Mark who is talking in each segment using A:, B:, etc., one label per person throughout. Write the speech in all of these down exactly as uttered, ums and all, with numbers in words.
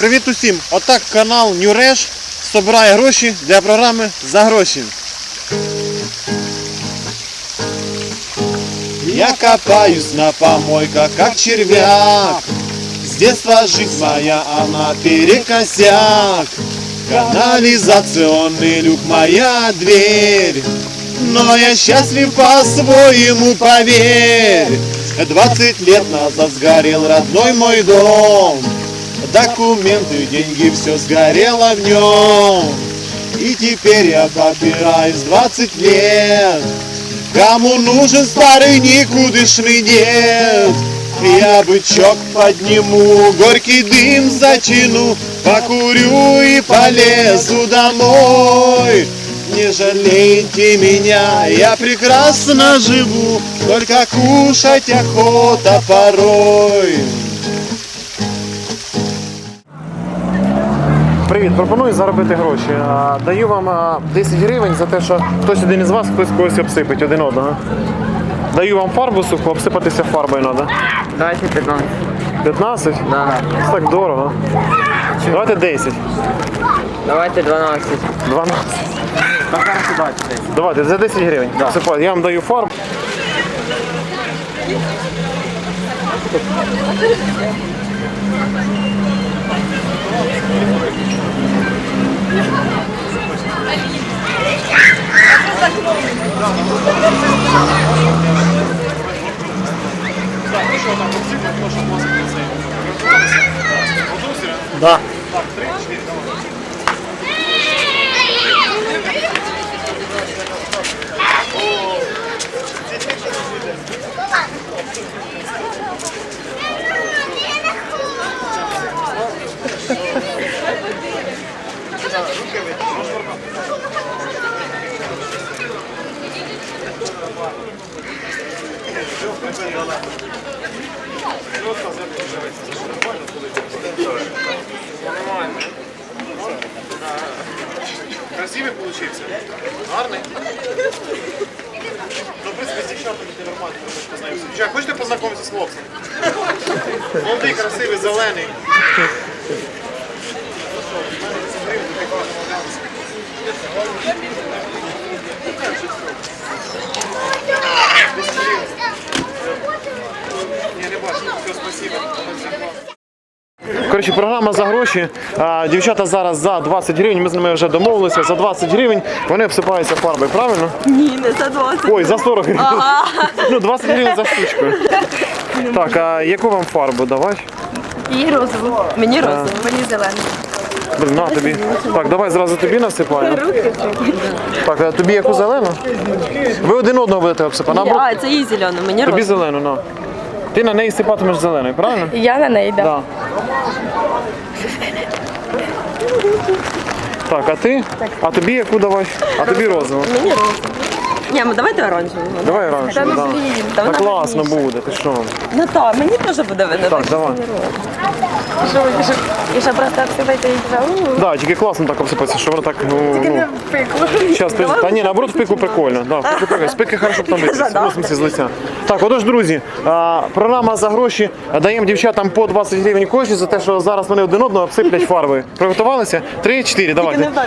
A: Привіт усім! Отак канал Нюреш збирає гроші для програми «За гроші». Я копаюсь на помойках, как червяк. С детства жизнь моя, она перекосяк. Канализационный люк, моя дверь. Но я счастлив по-своему, поверь. Двадцать лет назад сгорел родной мой дом. Документы, деньги, все сгорело в нем. И теперь я попираюсь двадцать лет. Кому нужен старый никудышный дед? Я бычок подниму, горький дым затяну, покурю и полезу домой. Не жалейте меня, я прекрасно живу, только кушать охота порой. Привіт, пропоную заробити гроші. Даю вам десять гривень за те, що хтось один із вас, хтось когось обсипить один одного. Даю вам фарбу суху, обсипатися фарбою треба.
B: Давайте пятнадцать.
A: п'ятнадцять?
B: Да.
A: Це так дорого. Давайте десять.
B: Давайте дванадцать.
A: дванадцять.
B: Пока сюда десять.
A: Давайте, за десять гривень. Да. Обсипайте. Я вам даю фарбу. Да. Красивый получился? Гарный? Ну, в принципе, с девчатами ты нормально познакомишься. Девчат, хочешь познакомиться с хлопцем? Молодый, красивый, зеленый. Не, не бачу. Все, спасибо. Коротше, програма «За гроші». А, дівчата зараз за двадцять гривень, ми з ними вже домовилися, за двадцять гривень вони обсипаються фарбою, правильно?
C: Ні, не за двадцять.
A: Ой, за сорок гривень.
C: Ага.
A: Ну, двадцять гривень за штучку. Так, а яку вам фарбу давати?
C: І розову. Мені розову, мені зелену.
A: Блін, на тобі. Так, давай зразу тобі насипаємо. Так, а тобі яку зелену? Ви один одного будете обсипати?
C: Ні, а, це їй зелену, мені
A: Тобі
C: розову.
A: зелену, на. Ти на неї сипатимеш зеленою, правильно?
C: Я на неї, так.
A: Да. Так, а ти? А тобі яку давай? А тобі розову.
C: Мені розову. Ні, ну давайте оранжеву.
A: Давай раніше.
C: Та ну
A: Да.
C: блін, та
A: Та
C: вона
A: класно
C: гарніша.
A: буде, ти що?
C: Ну так, мені теж буде видно.
A: Так, давай.
C: Що, і що, і що просто обсипайте і вже? у.
A: Да, тільки класно так обсипатися, що воно так, ну,
C: Тільки не
A: ну.
C: в пику.
A: Щас, ти, та ні, наоборот, в пику прикольно. Да, в пику прикольно. З пики хорошо потім вийти.
C: Да.
A: В смысле, з лиця. Так, отож, друзі, а, програма «За гроші». Даємо дівчатам по двадцять гривень кожні за те, що зараз вони один одного обсиплять фарбою. Приготувалися? Три, чотири,
C: Тільки
A: давайте.
C: не так.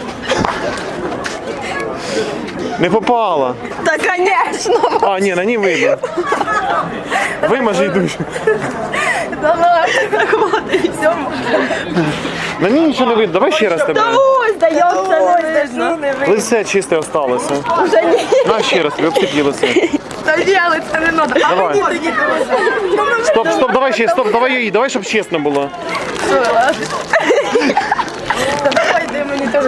A: Не попала.
C: Та, звісно.
A: А, ні, на ній видно. Вимажи душу.
C: Давай, хватить, все.
A: На ній нічого не видно. Давай ще раз тебе.
C: Та ось, дається, не видно.
A: Лице чисте осталося.
C: Вже ні.
A: На ще раз тобі обсипні лице.
C: Та діяли, це не треба. А
A: Давай.
C: мені тоді дуже.
A: Стоп, стоп, давай ще, стоп, давай її, давай, щоб чесно було.
C: Що, ладно. Та давай, дай мені теж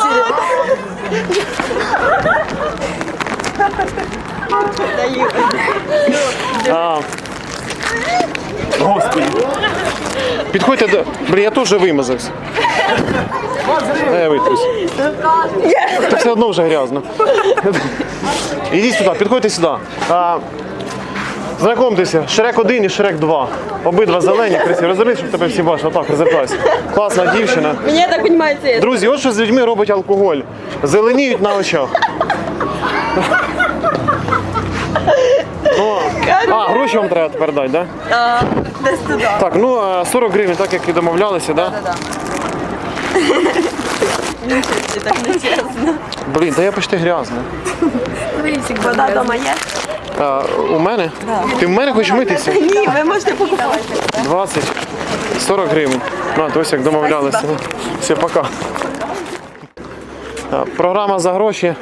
C: даю.
A: А. Господи. Підходьте до... Блін, я теж вимазався. Дай я витрусь. Та все одно вже грязно. Ідіть сюди, підходьте сюди. А, знайомтеся, Шрек один і Шрек два. Обидва зелені, красиві. Розвернись, щоб тебе всі бачили. Так, розвертайся. Класна дівчина.
C: Мені я так розумію, це.
A: Друзі, от що з людьми робить алкоголь. Зеленіють на очах. Ну, а, гроші вам треба тепер дати, так? Да?
C: А, десь туди.
A: Так, ну е, сорок гривень, так як і домовлялися, так? Да?
C: Це так нечесно.
A: Блін, та я почти грязний.
C: Вода вдома є?
A: А, у мене? Ти в мене хочеш митися?
C: Ні, ви можете покупати.
A: двадцять, сорок гривень. На, то ось як домовлялися. Все, пока. А, Програма за гроші.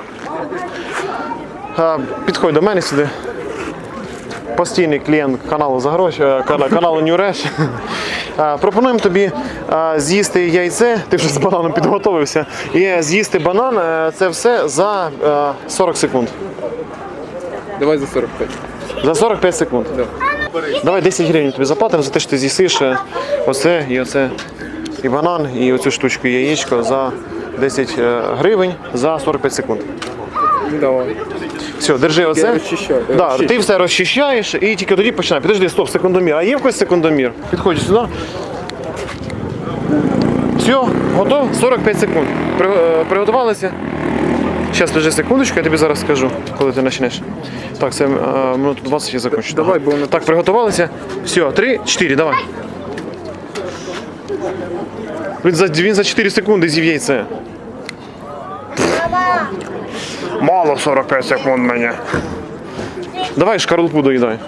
A: А, Підходь до мене сюди. Постійний клієнт каналу за гроші, е, кана- каналу New Resh. А, Пропонуємо тобі а, з'їсти яйце, ти вже з бананом підготовився, і з'їсти банан, е, це все за е, сорок секунд.
B: Давай за сорок п'ять.
A: За сорок п'ять секунд. Давай десять гривень тобі заплатимо за те, що ти з'їсиш е, оце і оце, і банан, і оцю штучку яєчко за десять е, гривень за сорок п'ять секунд.
B: Давай.
A: Все, держи оце.
B: розчищаю.
A: Да,
B: Розчищу.
A: ти все розчищаєш і тільки тоді починай. Підожди, стоп, секундомір. А є в когось секундомір? Підходь сюди. Все, готов? сорок п'ять секунд. При, е, приготувалися? Зараз, подожди секундочку, я тобі зараз скажу, коли ти почнеш. Так, це е, минут двадцять я закончу.
B: Давай, бо воно-
A: Так, приготувалися. Все, три, чотири, давай. Він за, він за чотири секунди з'їв яйце. Мало сорок п'ять секунд мені. Давай шкарлупу доїдай.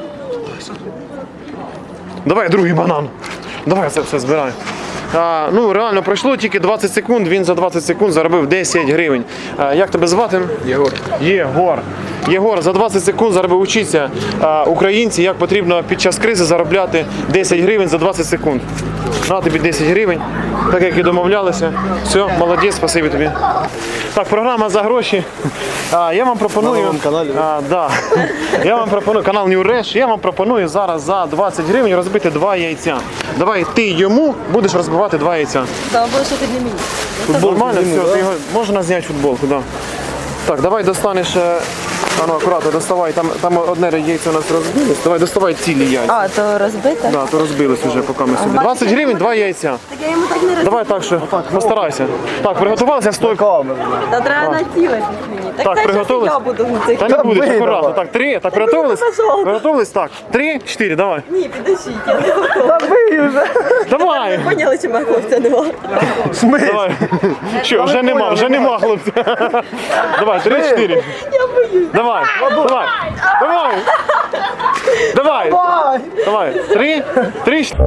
A: Давай другий банан. Давай це все збирай. А, ну реально пройшло тільки двадцять секунд, він за двадцять секунд заробив десять гривень. А, як тебе звати?
B: Єгор.
A: Єгор. Єгор, за двадцять секунд заробив учиться а, українці, як потрібно під час кризи заробляти десять гривень за двадцять секунд. На тобі десять гривень, так як і домовлялися. Все, молодець, спасибі тобі. Так, програма за гроші. А, я вам пропоную.
D: На новому каналі,
A: А, да. Я вам пропоную канал New Resh. Я вам пропоную зараз за двадцять гривень розбити два яйця. Давай ти йому будеш розбивати два яйця.
C: Та або що ти не мені.
A: Футбол нормально, все, ти його можна зняти футболку, да. Так, давай достанеш. е, А ну акуратно, доставай, там, там одне яйце у нас розбилось. Давай доставай цілі яйця.
C: А, то розбите?
A: Да, то розбилось вже, поки ми собі. двадцять гривень, два яйця.
C: Так я йому так не розбила.
A: Давай так, що постарайся. Так, приготувалися, стой.
C: Та треба націлити мені. Так,
A: Так,
C: це
A: приготовились?
C: щас я буду в цих.
A: Та не будеш,
D: бий,
A: акуратно.
D: давай.
A: Так, три, так, приготовились?
C: пожалуйста.
A: Приготовились, так. Три, чотири, давай.
C: Ні, підождіть, я не готова.
A: Давай.
C: Поняли, чи моя хлопця нема?
A: Давай. Що, вже нема, вже нема, хлопці. Давай, три, чотири.
C: Я боюсь.
A: Давай, давай, давай. Давай. Давай. Три, три, чотири.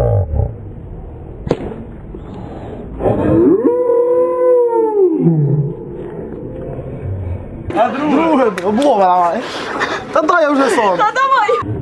D: Друге, облога давай. Та дай я вже сон.
C: Та давай.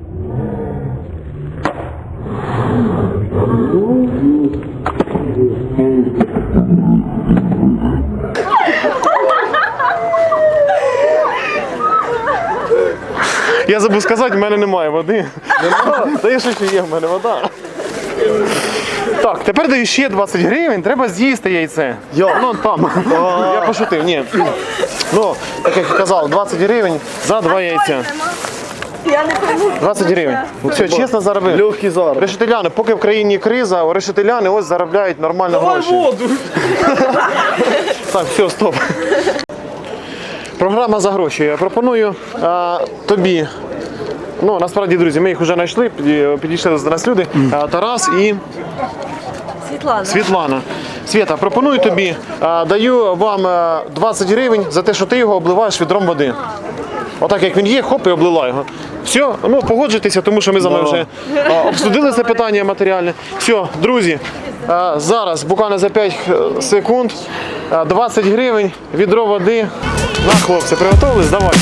A: Я забув сказати, в мене немає води. Та є що ще є, в мене вода. Так, тепер даю ще двадцять гривень, треба з'їсти яйце.
D: Йо.
A: Ну там. Я пошутив, ні. Ну, так як я казав, двадцять гривень за два яйця.
C: Я не пойму.
A: двадцять гривень. Все, чесно заробив.
D: Легкий зараз.
A: Решетиляни, поки в країні криза, решетиляни ось заробляють нормально гроші.
D: воду.
A: Так, все, стоп. Програма за гроші. Я пропоную а, тобі. Ну, насправді, друзі, ми їх вже знайшли, піді- підійшли до нас люди. А, Тарас і
C: Світлана.
A: Світлана. Свята, пропоную тобі, а, даю вам а, двадцять гривень за те, що ти його обливаєш відром води. Отак як він є, хоп, і облила його. Все, ну погоджуйтеся, тому що ми з вами вже а, обсудили це питання матеріальне. Все, друзі, а, зараз буквально за п'ять секунд а, двадцять гривень, відро води. На, хлопці, приготовились? Давай.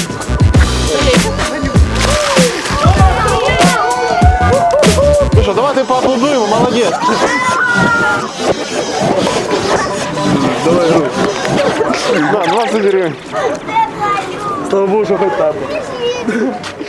A: Ну що, давайте поаплодуємо, молодець.
D: Давай, руй.
A: На, двадцять гривень.
D: Слава Богу, що хоч так.